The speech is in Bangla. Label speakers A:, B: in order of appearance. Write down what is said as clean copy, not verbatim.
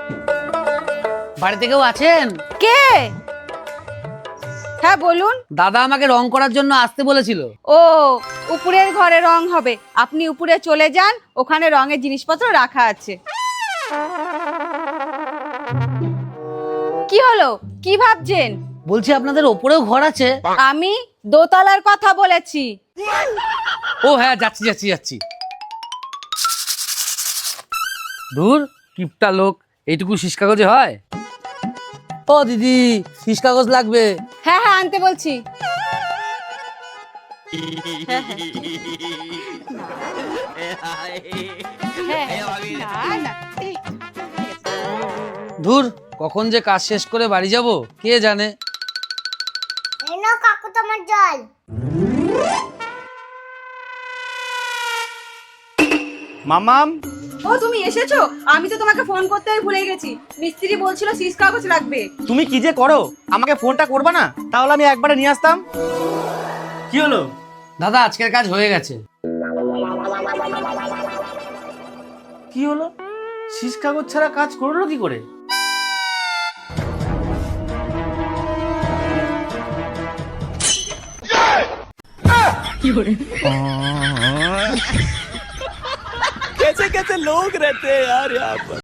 A: বাড়িতে কেউ আছেন?
B: কে? হ্যাঁ বলুন।
A: দাদা আমাকে রং করার জন্য আসতে বলেছিল।
B: ও, উপরের ঘরে রং হবে, আপনি উপরে চলে যান, ওখানে রঙের জিনিসপত্র রাখা আছে। কি হলো, কি ভাবছেন?
A: বলছি আপনাদের ওপরেও ঘর আছে?
B: আমি দোতলার কথা বলেছি।
A: ও হ্যাঁ, যাচ্ছি যাচ্ছি যাচ্ছি। দূর, কিপটা লোক, এইটুকু শীষ কাগজে হয়? ও দিদি, শীষ কাগজ লাগবে।
B: হ্যাঁ হ্যাঁ, আনতে বলছি।
A: ধুর, কখন যে কাজ শেষ করে বাড়ি যাব কে জানে।
C: এই নাও কাকু তোমার জল।
D: মামাম,
B: ও তুমি এসেছো? আমি তো তোমাকে ফোন করতেই ভুলে গেছি। মিস্ত্রি বলছিল শীষ কাগজ লাগবে।
D: তুমি কি যে করো, আমাকে ফোনটা করবা না? তাহলে আমি একবারে নিয়ে আসতাম। কি হলো?
A: দাদা আজকের কাজ হয়ে গেছে।
D: কি হলো? শীষ কাগজ ছাড়া কাজ করলো কি করে?
E: कैसे कैसे लोग रहते हैं यार यहाँ पर।